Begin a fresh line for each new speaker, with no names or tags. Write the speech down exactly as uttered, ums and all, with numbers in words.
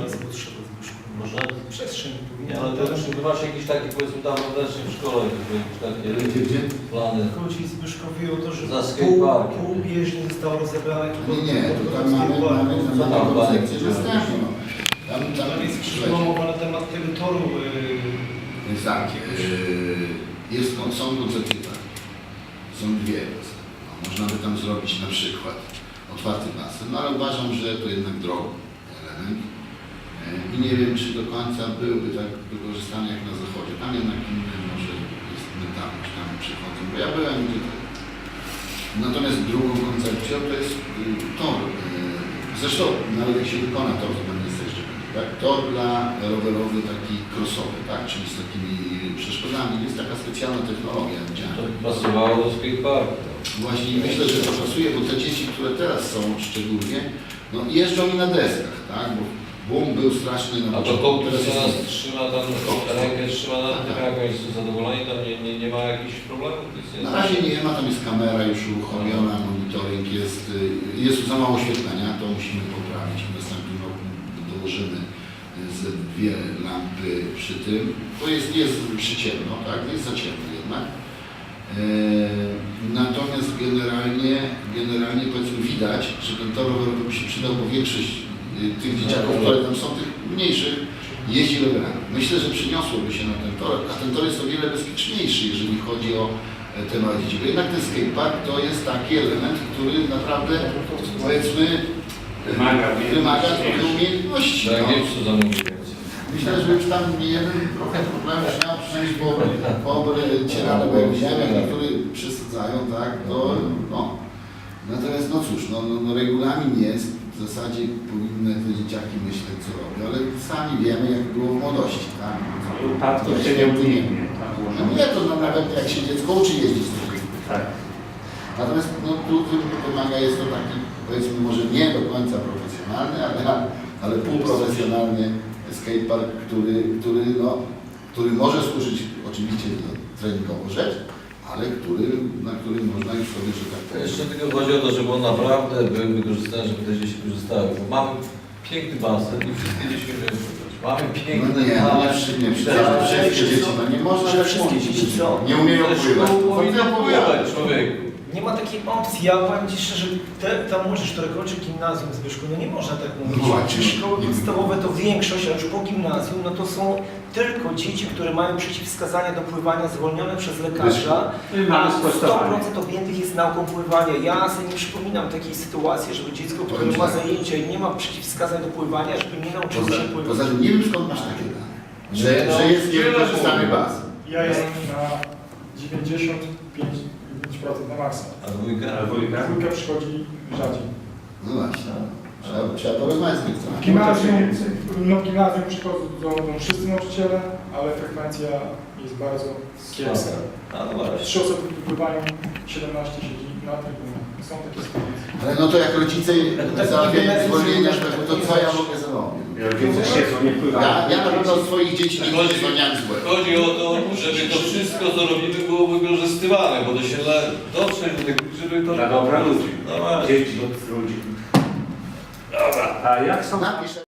zgód trzeba Zbyszku.
Może?
Przestrzeń powinna.
Nie, ale to czy wy macie jakieś takie, powiedzmy tam wewnętrznie w szkole, jakieś takie
Gdzie, gdzie?
plany?
Chodzi Zbyszkowi o to, że
Za
pół,
skateparkiem.
pół bieżni zostało rozebrane.
Nie, nie, to tam mamy, mamy,
Co tam
mamy
plany?
koncepcję dostępną. Tam, tam
Tam jest
słuchajcie,
przyszła mowa na temat tego toru. Yy,
jest tak, yy, jest, są koncepcje tak, są dwie. No, można by tam zrobić na przykład otwarty basen, no ale uważam, że to jednak drogi element. Yy, I nie wiem, czy do końca byłby tak wykorzystany jak na zachodzie. Tam jednak inny może jest mentalność, tam przychodzą, bo ja byłem gdzie to. Natomiast drugą koncepcją to jest yy, tor. Yy, zresztą nawet jak się wykona tor, to tam jest jeszcze tak? Tor dla rowerowy taki crossowy, tak? Czyli z takimi przeszkodami. Jest taka specjalna technologia.
To by pasowało do skateparku.
Właśnie myślę, że to pasuje, bo te dzieci, które teraz są szczególnie, no jeżdżą i na deskach, tak? Bo boom był straszny na
A to
początku,
kołtus
teraz
nas
jest...
trzyma tam, rękę trzyma na tym, jak oni są zadowoleni, tam nie, nie, nie ma jakichś problemów?
Na razie nie ma, tam jest kamera już uruchomiona, monitoring jest, jest za mało oświetlenia, to musimy poprawić. W następnym roku dołożymy ze dwie lampy przy tym. To jest, jest przyciemno, tak? Jest za ciemno jednak. Eee, natomiast generalnie, generalnie powiedzmy widać, że ten tor rowerowy by się przydał, bo większość y, tych dzieciaków, które tam są, tych mniejszych, jeździ rowerami. Myślę, że przyniosłoby się na ten tor, a ten tor jest o wiele bezpieczniejszy, jeżeli chodzi o te małe dzieci. Bo jednak ten skatepark to jest taki element, który naprawdę, powiedzmy,
Wymaga,
wymaga trochę umiejętności.
Tak,
No.
nie wiem, co zamówić więcej.
Myślę, że już tam nie jeden trochę problemów miał, przynajmniej po, po cierane, bo jak widziałem, jak niektórzy przesadzają, tak, to no. Natomiast no cóż, no, no, no regulamin jest, w zasadzie powinny te dzieciaki myśleć, co robią, ale sami wiemy, jak było w młodości, tak.
Upadku się nie uniknie.
No nie, to no, nawet jak się dziecko uczy jeździć z tym.
Tak.
Natomiast no, tu wymaga, jest to taki, powiedzmy, może nie do końca profesjonalny, ale, ale półprofesjonalny skatepark, który, który, no, który może służyć oczywiście do treningowo rzecz, ale który, na którym można już sobie, że tak powiem.
Jeszcze tylko chodzi o to, żeby on naprawdę był wykorzystany, żeby te dzieci korzystały. Bo mamy piękny basen i wszystkie dzieci umieją pływać. Mamy
No
piękne,
nie, no
ale...
nie, wszy- nie, wszystkie, wszystkie dzieci, no nie można
że
tak
wszystkie
mówić,
dzieci co?
nie umieją pływać.
Powinno pływać, człowieku.
Nie ma takiej opcji. Ja powiem Ci szczerze, te, ta młodzież, która kończy gimnazjum w Zbyszku, no nie można tak mówić.
No właśnie.
Szkoły podstawowe to większość, a już po gimnazjum, no to są tylko dzieci, które mają przeciwwskazania do pływania zwolnione przez lekarza, a sto procent objętych jest nauką pływania. Ja sobie nie przypominam takiej sytuacji, żeby dziecko, które ma zajęcia i nie ma przeciwwskazań do pływania, żeby nie nauczyło
Poza,
się pływać.
poza tym nie wiem, skąd masz takie dane, że,
Nie, no,
że jest
wiele
niewykorzystany
mówię.
basen.
Ja jestem na dziewięćdziesiąt pięć procent na maksa.
A dwójka?
A dwójka?
Dwójka przychodzi rzadziej.
No właśnie, trzeba, trzeba porozmawiać z tym.
W gimnazjum, no w gimnazjum przychodzą do, do wszyscy nauczyciele, ale frekwencja jest bardzo kiepska.
A no właśnie.
Trzy osoby wpływają, siedemnaście siedzi na trybunie. Są takie sytuacje.
Ale no to jak rodzice załatwiają zwolnienia, to co ja mogę zrobić?
Rodzice siedzą, nie pływają.
Ja, ja na pewno swoich dzieci nie
Chodzi-
zwolniałem z błędu.
Chodzi o to, żeby to wszystko, co robimy, było wykorzystywane, bo to się da dotrzeć do tego, żeby to...
Dla dobra ludzi.
No właśnie.
Dzieci, ludzi. Dobra, a jak są...
Napisz